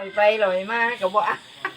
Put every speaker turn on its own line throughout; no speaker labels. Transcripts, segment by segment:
ไปลอยมากับบ่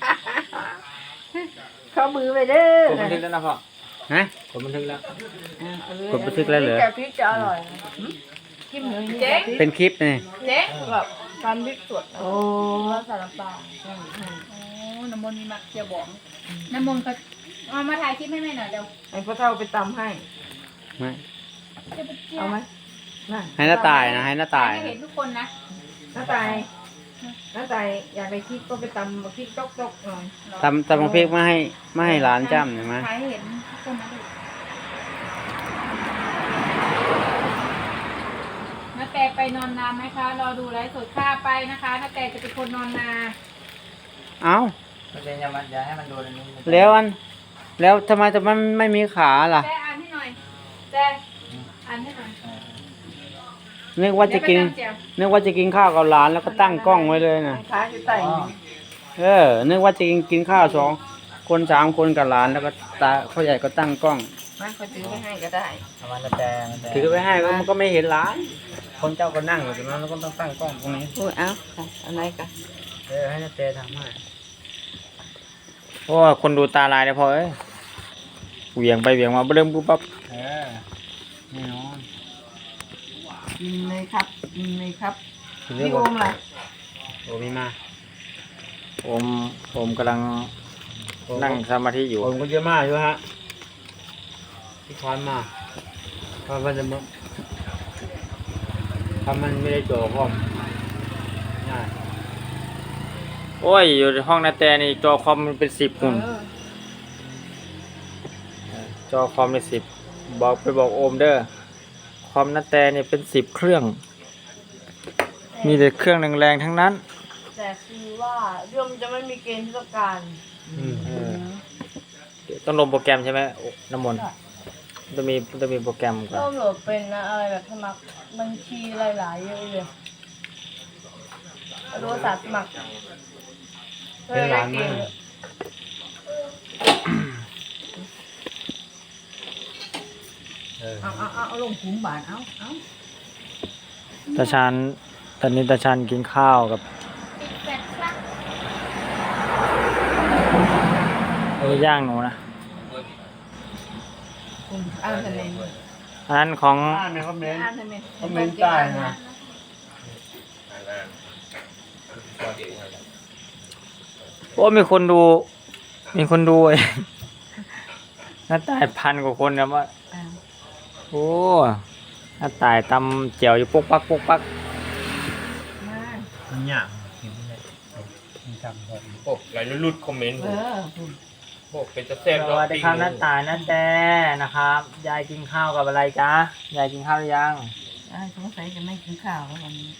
เข้ามือไปเด้อก
ดบันทึกแล้วนะพ่อ
ฮะ
กดบันทึกแล้ว
กดบันทึกแล้วเหรอ
แกพริกจะอร่อยกินเลยเจ๊
เป็นคลิปนี่
เจ๊แบบการพริกสดโอ้
แล้วใส่น้ำปลาโอ้น้ำมนต์มีมักเจียวบองน้ำมนต์ก็เอามาถ่ายคลิปให้แม่หน่อยเดี๋ยว
ไอ้พ่อเท่าไปตำให้
ไม่
เอาไหมน่ะ
ให้หน้าตายนะให้หน้าตาย
ให้เห็นทุกคนนะ
น้าตายอยากไปคิดก็ไปตำมาคิดจกหน่อย
ตำบักพริกมาให้ร้านจ้ำหน่อยมั้ย
ถ่ายให้เห็นทุกคนนะดูน้าแต่ไปนอนนาไหมคะรอดูไลฟ์สดค่าไปนะคะน้าแต่จะเป็นคนนอนนา
เอ้า
มันจะอย่าให้มันโดนอันนี้
แล้วทำไมแต่มันไม่มีขาล่ะ
แต่อ่านให้หน่อยแต่อ่านให้หน่อย
นึกว่าจะกิน
เดี๋ยวไปตำเจียว
นึกว่าจะกินข้าวกับร้านแล้วก็ตั้งกล้องไว้เลยนะ
ค้าอยู่ใต้
นึกว่าจะกินข้าว2 คน3 คนกับร้านแล้วก็พ่อใหญ่ก็ตั้งกล้อง
มันก็ถือไปให้ก็ได้
เอามันจะแต่มันแต่
ถือไปให้มันก็ไม่เห็นร้าน คนเจ้าก็นั่งอยู่ตรงนั้นแล้วก็ต้องตั้งกล้องตรงนี้
พูดเอาอะไรกัน
ให้นาเตทำให้เพราะว่าคนดูตาลายเลยพอเหวี่ยงไปเหวี่ยงมาเริ่มปุ๊บปั๊บแน่นอน
กินเลยครับกินเลยครับ
ถึงเรื่อ
พี่
ง
โอมล่ะ
โอมีมาโอมกำลังนั่งสมาธิอยู่โอมก็เยอะมากอยู่ฮะที่คอนมาเพราะมันจะมึกทำมันไม่ได้โจพร้อมง่ายโอ้ยอยู่ในห้องนาแตนี่จอคอมมันเป็น10หุ่นจอคอมเป็น10บอกโอมเด้อคอมนาแตนี่เป็น10 เครื่อง มีแต่เครื่องแรงๆทั้งนั้น
แต่คือว่าเรื่องจะไม่มีเกณฑ์ที่ต้องการ
ต้องลงโปรแกรมใช่ไหมน้ำมนต์ต้องมีโปรแกรมก่อน
ต้องโหลดเป็นนะอะไรแบบสมัครบัญชีหลายๆเยอะเลยโทรศัพท์สมัคร
เป็นร้านมาก
เอาลงขุมบาทเอา
ตาชานตอนนี้ตาชานกินข้าวกับย่างหนูนะ
อ่านทำไม
อันนั้นของ
อ่านทำไม
คอมเมนต์ใต้นะ โอ้มีคนดูเองหน้าตาย1,000 กว่าคนนะว่าโอ้หน้าตายตำเจียวอยู่ปุ๊กปักเนี่ยจำก่อน
โอ้หลายรุ่นคอมเมนต์
เออ
โอ้เป็นจะแซ่บ
สวัสดีครับหน้าตายหน้าแต่นะครับยายกินข้าวกับอะไรจ๊ะยายกินข้าวหรือยัง
สงสัยจะไม่กินข้าวแล้ววันนี้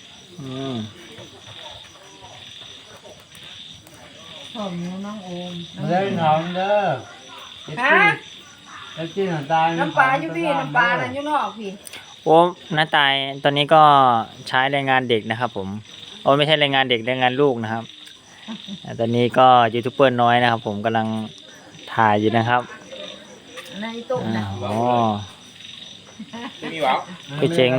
พ่อหนูน้องโอม
เล่นหอมเด้อ
ฮะ
แล้วกินหอมตาย
น้ำปลาอยู่พี่น้ำปลานั่นอยู่นอกพี่
โอ้หน้าตายตอนนี้ก็ใช้แรงงานเด็กนะครับผมโอ้ไม่ใช่แรงงานเด็กแรงงานลูกนะครับตอนนี้ก็ยูทูบเบอร์น้อยนะครับผมกำลังถ่ายอยู่นะครับ
ในตู้นะ
อ๋อ
มีหวาว
พี่เจ๋ง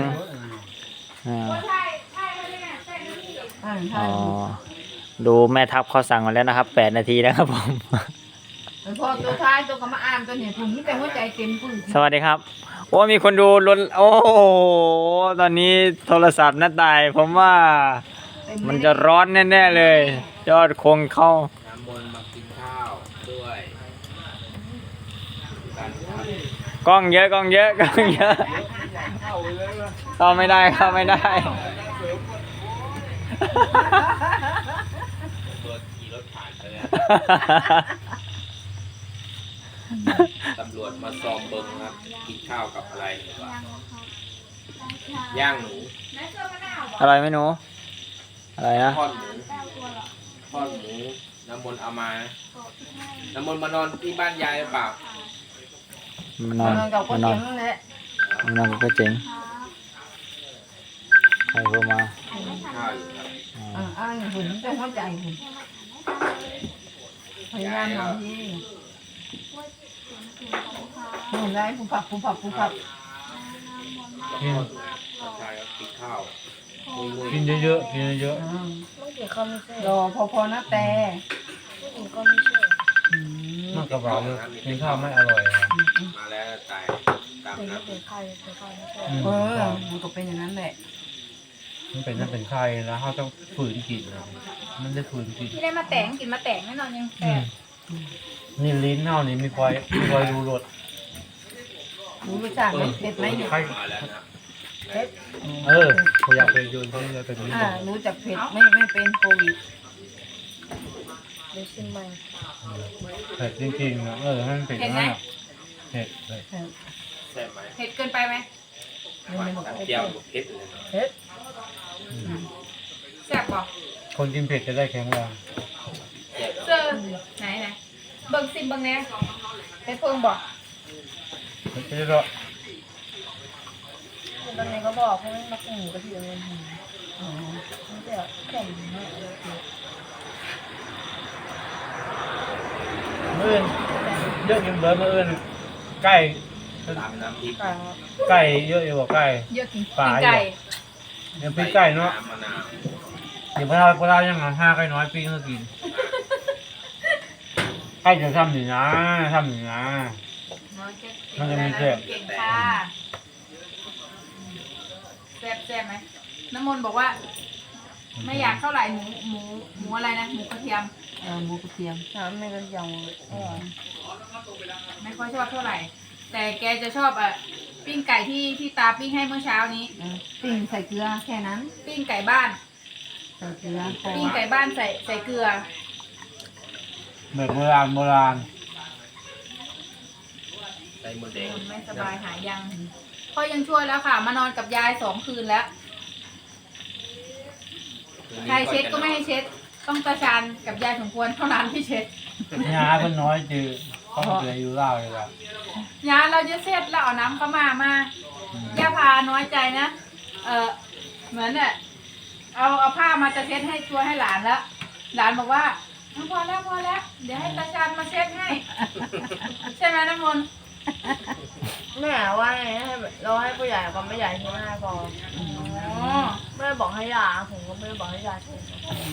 อ๋อดูแม่ทัพเขาสั่งมาแล้วนะครับ8 นาทีนะครับผม
พอตัวท้ายตัวก็มาอ่านตัวเนี่ยผมนี่แต่หัวใจเต็มปึ้ง
สวัสดีครับโอ้มีคนดูล้นโอ้โหตอนนี้โทรศัพท์หน้าตายผมว่ามันจะร้อนแน่ๆเลยยอดคงเข้า
น้ำมนต์มากินข้าวด้วย
กล้องเยอะเข้าไม่ได้
รถขี่รถผ่านไปแล้วตำรวจมาสอบเบิ้งครับกินข้าวกับอะไรหรือว่าย่างหนู
อะไรไม่หนูอะไรนะ
ทอดหมูน้ำมนต์เอามาน้ำมนต์มานอนที่บ้านยายหรือเปล่า
มันนอน
กับคน
มันนอ
เจ๋
น
งนั่นแหละ
มันนอนก็เจ๋งใครโทรมา
ข้าวอยู่ครับ
อ่านหุ่นแต่หัวใจหุ่นพยายามหน่อยที่หุ่นได้ผู้ผับ
ชายก็กินข้าวๆ
กินเยอะๆกินเยอะ
รอพอนะแต่
ๆมันกระเบาเลยกินข้าวไม่อร่อยอะ
มาแล้วตายตามน้ำ
มันก็เป็นอย่างนั้นแหละ
มันเป็นนั่นเป็นไข้แล้วเขาต้องฝืนกินนะมันได้ฝืนกิน
ที่ได้มาแต่งกินมาแต่งแน่นอนยังแต่
นี่ลิ้นเน่านี่มีควายรู้รส
รู้รสชาติไหมเผ็ดไหมเนี่ย
ไข้
มาแล้วนะ
เขาอยากไปโยนที่นี่เป็นลิ้น
รู้จักเผ็ดไม่เป็นโควิด
เผ็ดจริงๆนะให้มันเผ็ดมากเผ็ดเลย
แซ่บไหม
เผ็ดเกินไปไหม
เปรี้ยวกับเผ็ดเลยนะ
เผ็ด
แซ่บบอก
คนกินเผ็ดจะได้แข็งแรง
เจอไหนเบิ่งซิมเบิ่งแน่เผ็ดเพิ่งบอก
เผ็ดเยอะ
ตอนนี้ก็บอกให้มันมากินหมูกระเทียมเลยมันจะแข็งมาก
มื้ออื่นเยอะกินเบิร์ดมื้ออื่นไก่
ตามน้ำพริก
ไก่เยอะอยู่กว่าไก่
เยอะกิน
ปลา
ไก่
เดี๋ยวพี่ไก่เนาะ
น้ำมะนาว
เดี๋ยวพวกเรายังห้าไก่น้อยปีก็กินไก่จะทำหนึ่งนะ มันจะมีแซ่บ
เก่งค่ะแซ่บไหมน้ำมนต์บอกว่า ไม่อยากเท่าไหร่หมูอะไรนะหมูกระเทียม
หมูกระเทียมน้ำไม่กระเทียม
ไม่ค่อยชอบเท่าไหร่ แต่แกจะชอบปิ้งไก่ที่ตาปิ้งให้เมื่อเช้านี้
ปิ้งใส่เกลือแค่นั้น
ปิ้งไก่บ้าน
ใส่เกลือ
ปิ้งไก่บ้านใส่เกลือ
แบบโบราณ
ใส่หมดแดง
คนไม่สบายหายยังพ่อยังช่วยแล้วค่ะ มานอนกับยาย2 คืนแล้วใครเช็ดก็ไม่ให้เช็ด ต้องตาชานกับยายสมควรเท่านั้นที่เช็ด
ๆยาเพิ่นน้อยจือเขาเหลืออยู่เล่าเลยล่ะ
ยาเราจะเช็ดแล้วเอาน้ำเข้ามาย่าพาน้อยใจนะเหมือนเนี่ยเอาผ้ามาจะเช็ดให้ตัวให้หลานแล้ว หลานบอกว่าพอแล้วเดี๋ยวให้ตาชานมาเช็ดให้ ใช่ไหมน้ำมนต์
แม่ว่าไงให้เราให้ผู้ใหญ่กับไม่ใหญ่ใช่ไหมพอ
อ๋อ
ไม่ได้บอกให้ยาผมก็ไม่ได้บอกให้ยาฉีด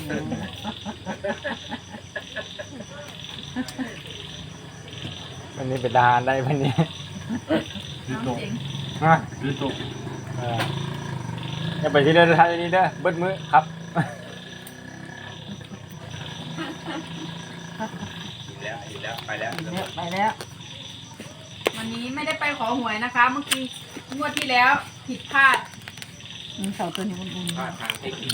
วันนี้เป็นทหารได้วันนี้
น้องเจ๋ง
ฮะ
คือตก
อย่าไปที่เดินทางนี้เด้อเบิดมือครับ
อิ่มแล้วไปแล้ว
ไปแล้ว
วันนี้ไม่ได้ไปขอหวยนะคะ เมื่อกี้งวดที่แล้วผิดพลาด
มันเสาตัวนี้อุ่น
พลาดทางเทคนิค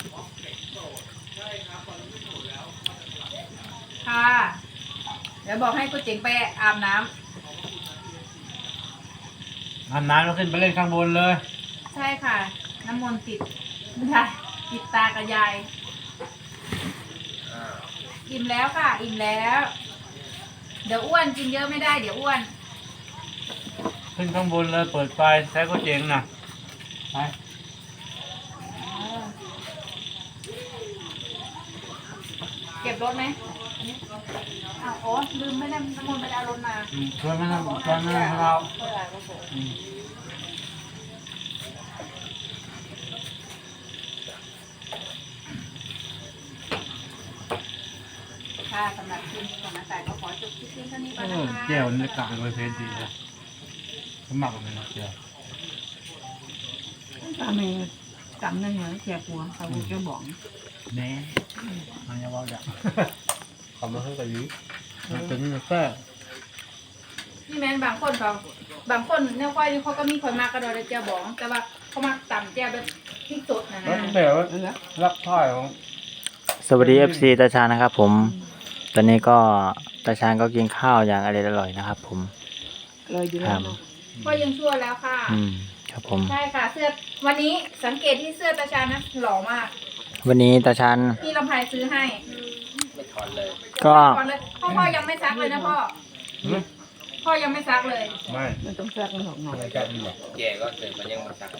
ค่ะ เดี๋ยวบอกให้กูเจ๋งไปอาบน้ำ
อาบน้ำแล้วขึ้นไปเล่นข้างบนเลย
ใช่ค่ะ น้ำมนต์ติดติดตากับยาย
อ่า
อิ่มแล้วค่ะ อิ่มแล้ว เดี๋ยวอ้วนกินเยอะไม่ได้เดี๋ยวอ้วน
ขึ้นข้างบนเลยเปิดไฟแท้ก็เจ๋งนะไป
เก็บรถไหมอ้าวโอ้ลืมไม่ได้น้ำมนต์ไม่ได้เอารถมา
ช่วยไม่ทำเรา
ค่ะสำหรับคลิปนี้ของน้าแต่ก็ขอจบคลิปเพียงเท่านี้ก่อนนะคะ
แก้วนี่กลับไปเพชรดีเลยสมัครเลยนะเจ้า
ๆตาเมย์จำได้เหรอแจกหัวเขาจะบอก
แน่มันจะว่าจะทำมาให้กับยิ้มเป็นแค่
นี่แม่นบางคนเนี่ยค่อยนี่เขาก็มีคนมากกระโดดเจียวบอง แต่ว่าเขามาต่ำเจียวแบบพริกสดนะ
แล้ว
นะ
แต่ว่ารับถ้อยของ
สวัสดี FC ตาชาญนะครับผม ตอนนี้ก็ตาชาญก็กินข้าวอย่างอร่อยๆนะครับผม
เลยอยู่
ค
แล้
รั
ว
บ
เนาะ
ก็ยังชั่วแล้วค่ะ
ครับผม
ใช่ค่ะเสื้อวันนี้สังเกตที่เสื้อตาชานะหล่อมาก
วันนี้ตาชาญ
พี่ลำไพซื้อให้
ไม่ถอนเลย
ก็
ก่อนเลยพ่อยังไม่ซักเลยนะพ่อ พ่อยังไม่ซักเลย
ไม่
มันต้องแทรกมันหอกหน่อย
ไม่กล้าดีหรอก
แย่ก็เสร็จมันยังมาสัก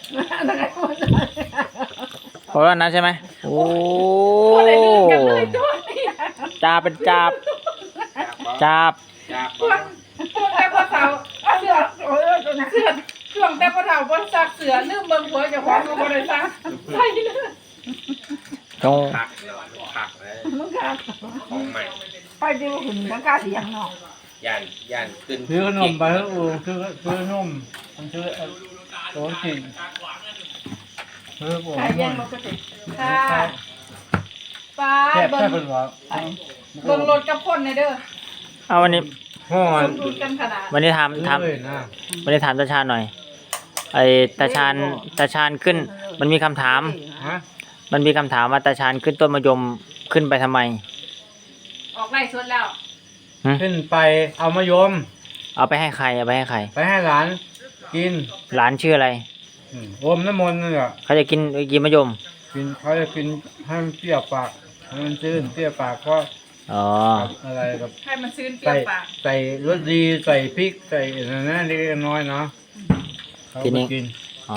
เพราะว่านั้นใช่ไหมโอ้
อะไรลืมกันเลยด้วย
จาเป็นจาบจาบ
จาก
พวกแค่พ่อสาวเสื้อช่วงแต่พ่อเฒ่าบ่ซักเสือลืมเบิ่งผัวเจ้าของก็บ่ได้ซักใช่เลย
ต้อง
ผักผักเลย
มึงค่ะ
ของใหม่
ไปดูหุ่นทั้งกาเสียงเนาะ
ย่านขึ้น
ซื้อขนมไปให้อูซื้อขนมมันซื้อโต๊ะกินซื้อโอ้
ขาย
ย
เย็นปกติค่ะป้า
แซ่บ
เบิ่
แซ่
ง
บเป็นวะ
เบิ่งรถกับคนในเด้อ
เอาวันนี้
ห่อ
สมดุลกันขนาด
วันนี้ถาม
เลยนะ
วันนี้ถามตาชาญหน่อยไอ้ตาชาญขึ้น มันมีคำถาม
ฮะ
มันมีคำถามว่าตาชาญขึ้นต้นมะยมขึ้นไปทำไม
ออกไล่สดแล้ว
ขึ้นไปเอามะยม
เอาไปให้ใครเอาไปให้ใคร
ไปให้หลานกิน
หลานชื่ออะไร
อมน้ำมนต์นี่แหละ
เขาจะกินมะยม
กินเขาจะกินให้มันเปรี้ยวปากให้มันชื้นเปรี้ยวปากก็
อ๋อ
กับอะไรกับ
ให้มันซื้นเปรี้ย
ใส่
วปาก
ใส่รสดีใส่พริกใส่อะไรนะเล็กๆน้อยๆเนาะเขาก็กิน
อ๋อ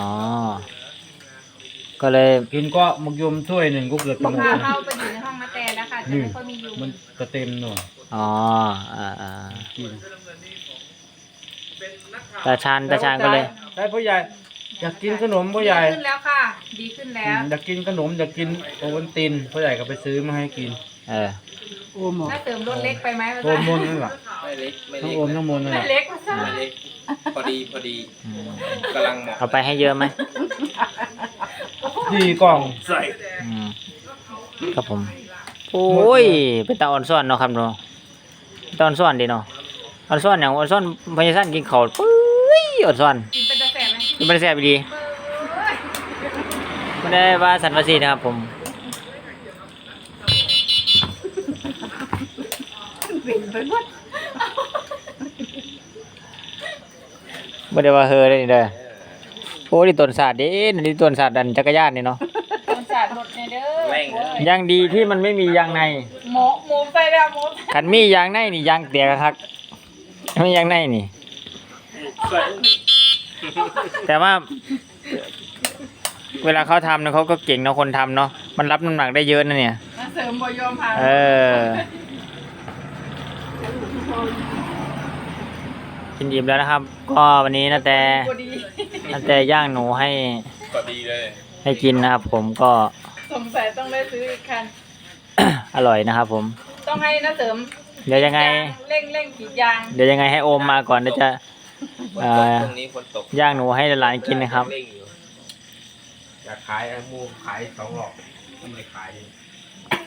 ก็เลย
กินก็มะยมถ้วยหนึ่งก็เกือบจะหมด
พา
นะ
เข้าไปอยู่ในห้องนาแตแล้วค่ะจะไม่ค่อยมียุง
มันจะเต็มหน่อย
อ๋ออ่า
กิน
ตาชาญก็เลย
ได้พ่อใหญ่อยากกินขนมพ่อใหญ่
ดีขึ้นแล้วค่ะ ดีขึ้นแล้ว
อยากกินขนมอยากกินโอวัลตินพ่อใหญ่ก็ไปซื้อมาให้กิน
เออ
น่าเติมรถเล็กไปไหม
โอมนนั่นแหละ
ไม่เล็กไม่
ทั้ง
เล็ก
โอมทั้งมนนั่นแห
ไม่
ละ
เล็กมาซะ
ไม่เล็กพอดี
อืม
กำลังเหมาะ
เอาไปให้เยอะไหม
4 กล่อง
ใส่
อืมครับผม โอ้ย เป็นตาอ่อนซ่อนเนาะครับเนาะตาอ่อนซ่อนดีเนาะอ่อนซ่อนอย่างอ่อนซ่อนพญาสั้นกินข้าวปุ้ยอ่อนซ่อน
กินเป็นกระแสไหม
มันไม่ได้แซ่บดี
เอ้ย
ไม่ได้ว่าสันวาสีนะครับผม
เป็นไปหมด
ไม่ได้ว่าเฮอเลยนี่เด้อโอ้ดิต้นศาสตร์เด้นี่ต้นศาสตร์ดันจักรยานนี่เนาะ
โดนสาดรถในเด้อ
แม่งเลย
ยังดีที่มันไม่มียางใน
หมูใส่แล้วหมู
ขันมียางในนี่ยางเตียกคักไม่ยางในนี่
ใส่
แต่ว่า เวลาเขาทำเนี่ยเขาก็เก่งเนาะคนทำเนาะมันรับน้ำหนักได้เยอะนะเนี่ย
มาเสริมบ่ยอมผ่าน
เออ กินอิ่มแล้วนะครับ ก็วันนี้นะแต่
บ่ดี
นะแต่ย่างหนูให้
พอดีเลย
ให้กินนะครับ ผมก็
สงสัยต้องได้ซื้ออีกคัน
อร่อยนะครับผม
ต้องให้น้าเสริม
เดี๋ยวยังไง
เร่งขีดยาง
เดี๋ยวยังไงให้โอมมาก่อนเดี๋ยวจะ
ฝนตกตรงนี้ฝนตก
ย่างหนูให้หลานกินนะครับ
เร่งอยู่อยากขายมูขาย2 หลอกไม่ได้ขายเลย